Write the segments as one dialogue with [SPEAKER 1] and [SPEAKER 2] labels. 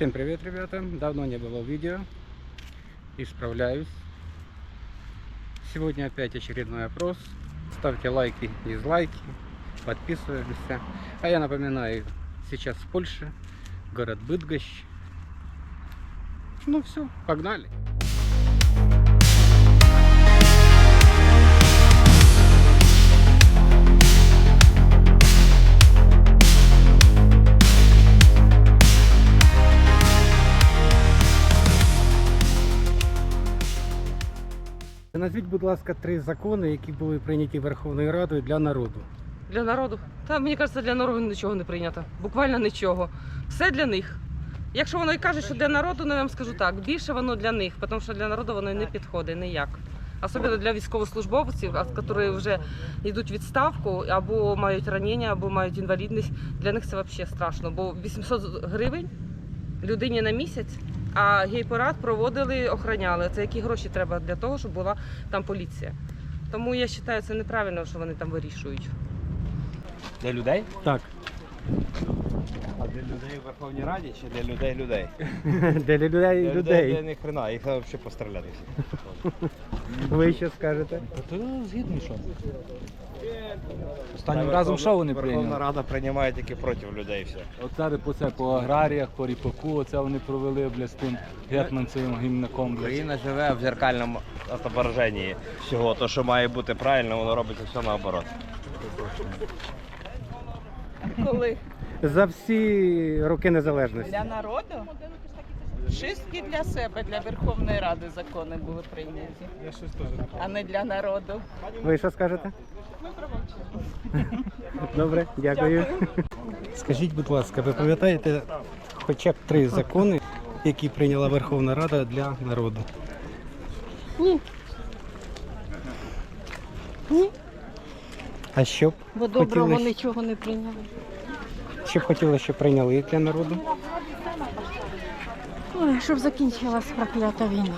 [SPEAKER 1] Всем привет, ребята! Давно не было видео. Исправляюсь. Сегодня опять очередной опрос. Ставьте лайки, дизлайки, подписываемся. А я напоминаю, сейчас в Польше, город Быдгощ. Ну все, погнали! Назвіть, будь ласка, 3 закони, які були прийняті Верховною Радою для народу.
[SPEAKER 2] Для народу? Та мені кажеться, для народу нічого не прийнято. Буквально нічого. Все для них. Якщо воно і каже, що для народу, то я вам скажу так, більше воно для них, тому що для народу воно не підходить ніяк. Особливо для військовослужбовців, які вже йдуть в відставку, або мають ранення, або мають інвалідність. Для них це взагалі страшно, бо 800 гривень людині на місяць, а гей-парад проводили, охороняли. Це які гроші треба для того, щоб була там поліція. Тому я вважаю, це неправильно, що вони там вирішують.
[SPEAKER 3] Для людей?
[SPEAKER 1] Так.
[SPEAKER 3] А для людей у Верховній Раді чи для людей?
[SPEAKER 1] Для людей.
[SPEAKER 3] Для них хрена, їх треба взагалі постріляти всі.
[SPEAKER 1] Ви що скажете?
[SPEAKER 4] То згідно що? Останнім разом що вони
[SPEAKER 3] Верховна
[SPEAKER 4] прийняли?
[SPEAKER 3] Рада приймає тільки проти людей все.
[SPEAKER 4] От зараз по аграріях, по ріпаку, оце вони провели, з тим гетманцевим гімнаком.
[SPEAKER 3] Україна живе в зеркальному отображенні всього. То, що має бути правильно, воно робиться все наоборот.
[SPEAKER 5] Коли?
[SPEAKER 1] За всі роки незалежності.
[SPEAKER 5] Для народу? Чистки для себе, для Верховної Ради закони були прийняті. А не для народу.
[SPEAKER 1] Ви що скажете? Добре, дякую. Скажіть, будь ласка, ви пам'ятаєте хоча б 3 закони, які прийняла Верховна Рада для народу?
[SPEAKER 6] Ні. Ні.
[SPEAKER 1] А що б
[SPEAKER 6] Бо доброго
[SPEAKER 1] хотіли,
[SPEAKER 6] нічого не прийняли.
[SPEAKER 1] що б хотіли, щоб прийняли для народу?
[SPEAKER 6] Ой, щоб закінчилась проклята війна.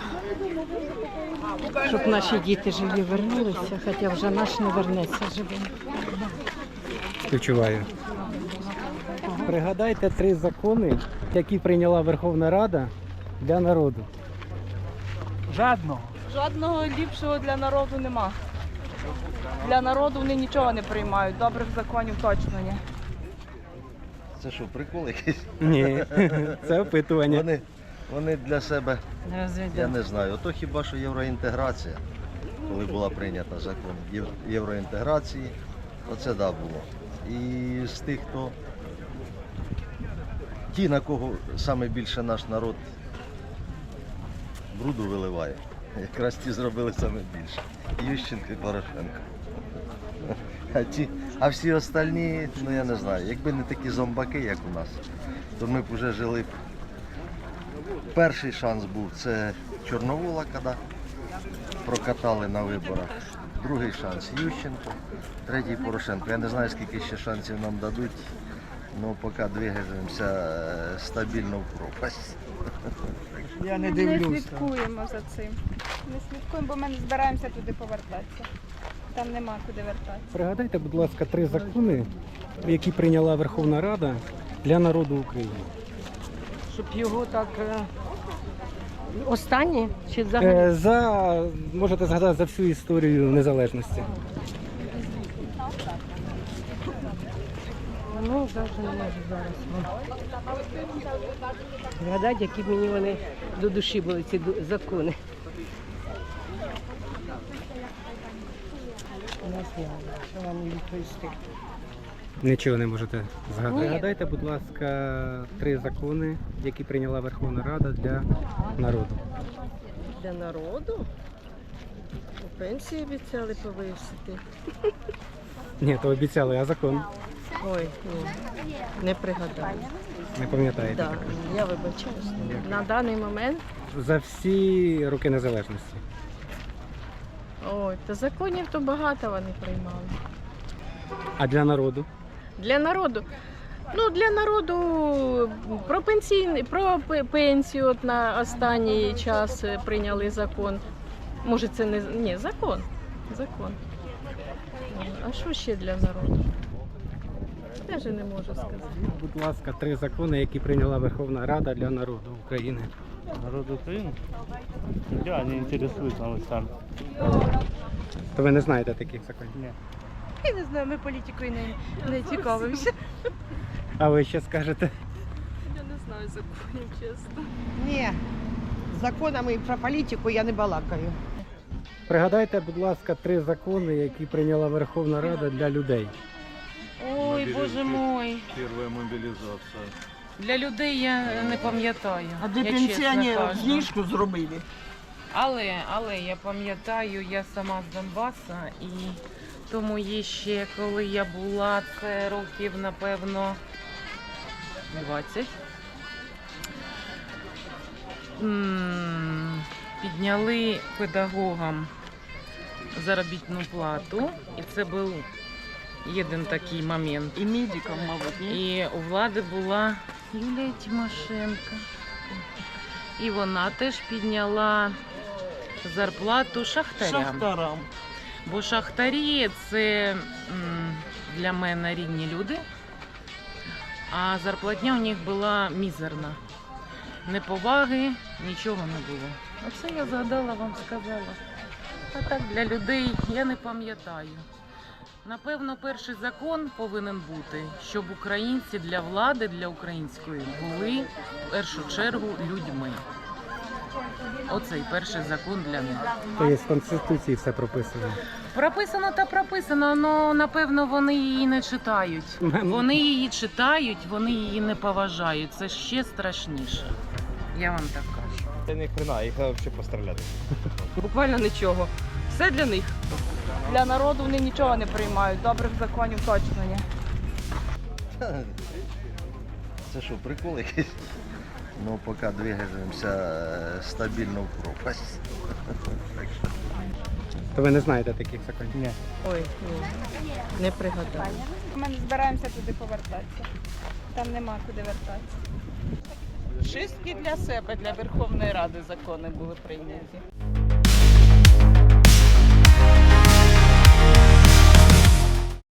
[SPEAKER 6] Щоб наші діти живі вернулися, хоча вже наш не вернеться живим.
[SPEAKER 1] Співчуваю. Пригадайте 3 закони, які прийняла Верховна Рада для народу.
[SPEAKER 4] Жадного.
[SPEAKER 5] Жодного ліпшого для народу нема. Для народу вони нічого не приймають, добрих законів точно ні.
[SPEAKER 7] Це що, прикол якийсь?
[SPEAKER 1] Ні, це опитування.
[SPEAKER 7] Вони для себе, я не знаю, ото хіба що євроінтеграція, коли була прийнята закон євроінтеграції, оце да було. І з тих, хто, ті, на кого саме більше наш народ бруду виливає, якраз ті зробили саме більше. Ющенко і Порошенко. А всі остальні, ну я не знаю, якби не такі зомбаки, як у нас, то ми б вже жили б. Перший шанс був, це Чорновола, коли прокатали на виборах. Другий шанс Ющенко, третій Порошенко. Я не знаю, скільки ще шансів нам дадуть, але поки двигаємося стабільно в пропасть.
[SPEAKER 4] Я не
[SPEAKER 8] Не слідкуємо за цим. Не слідкуємо, бо ми не збираємося туди повертатися. Там нема куди вертатися.
[SPEAKER 1] Пригадайте, будь ласка, 3 закони, які прийняла Верховна Рада для народу України.
[SPEAKER 6] Щоб його так останні чи взагалі?
[SPEAKER 1] Можете згадати за всю історію незалежності.
[SPEAKER 6] Ну, навіть не можу зараз. Згадати, які мені вони до душі були, ці закони. Не знаю, що вам відповісти.
[SPEAKER 1] Нічого не можете згадати.
[SPEAKER 6] Ні.
[SPEAKER 1] Пригадайте, будь ласка, 3 закони, які прийняла Верховна Рада для народу.
[SPEAKER 6] Для народу? Пенсії обіцяли повисити.
[SPEAKER 1] Ні, то обіцяли, а закон
[SPEAKER 6] Ой, ні, не пригадаю.
[SPEAKER 1] не пам'ятаєте.
[SPEAKER 6] Да, я вибачаюсь. На даний момент,
[SPEAKER 1] За всі роки незалежності.
[SPEAKER 6] ой, та законів то багато вони приймали.
[SPEAKER 1] А для народу?
[SPEAKER 6] Для народу. Ну, для народу про пенсію от на останній час прийняли закон. Може це не... Ні, закон. А що ще для народу? Теж не можу сказати.
[SPEAKER 1] Будь ласка, 3 закони, які прийняла Верховна Рада для народу України.
[SPEAKER 9] Народ України? Я не интересуюсь новостями.
[SPEAKER 1] То ви не знаєте таких законів?
[SPEAKER 9] Ні.
[SPEAKER 8] Я не знаю, ми політикою не цікавимося.
[SPEAKER 1] А ви ще скажете?
[SPEAKER 6] Я не знаю законів, чесно.
[SPEAKER 10] Ні, законами про політику я не балакаю.
[SPEAKER 1] Пригадайте, будь ласка, 3 закони, які прийняла Верховна Рада для людей.
[SPEAKER 2] Ой, боже мой.
[SPEAKER 4] Перша мобілізація.
[SPEAKER 2] Для людей я не пам'ятаю.
[SPEAKER 10] А для
[SPEAKER 2] я чесно
[SPEAKER 10] пенсіонерів
[SPEAKER 2] кажу.
[SPEAKER 10] знижку зробили.
[SPEAKER 2] Але я пам'ятаю, я сама з Донбаса, і тому є ще, коли я була, це років, напевно, 20. Підняли педагогам заробітну плату, і це був один такий момент.
[SPEAKER 10] І медикам, мабуть, ні?
[SPEAKER 2] І у влади була Юлія Тимошенко. І вона теж підняла зарплату шахтарям.
[SPEAKER 10] Шахтарам.
[SPEAKER 2] Бо шахтарі це для мене рідні люди, а зарплатня у них була мізерна. Неповаги, нічого не було. Оце я згадала, вам сказала. А так для людей я не пам'ятаю. Напевно, перший закон повинен бути, щоб українці для влади, для української, були в першу чергу людьми. Оцей перший закон для них.
[SPEAKER 1] То є в Конституції все прописано.
[SPEAKER 2] Прописано та прописано, але напевно вони її не читають. Вони її читають, вони її не поважають. Це ще страшніше. Я вам так кажу.
[SPEAKER 3] Це ні хрена, їх треба взагалі постріляти.
[SPEAKER 2] Буквально нічого. Все для них.
[SPEAKER 5] Для народу вони нічого не приймають, добрих законів точно ні.
[SPEAKER 7] Це що, прикол якийсь? Ну, поки двигаємося стабільно в пропасть.
[SPEAKER 1] То ви не знаєте таких законів?
[SPEAKER 9] Ні.
[SPEAKER 6] Ой, ні, не пригадаю.
[SPEAKER 8] Ми не збираємося туди повертатися. Там нема куди вертатися.
[SPEAKER 5] Чистки для себе, для Верховної Ради закони були прийняті.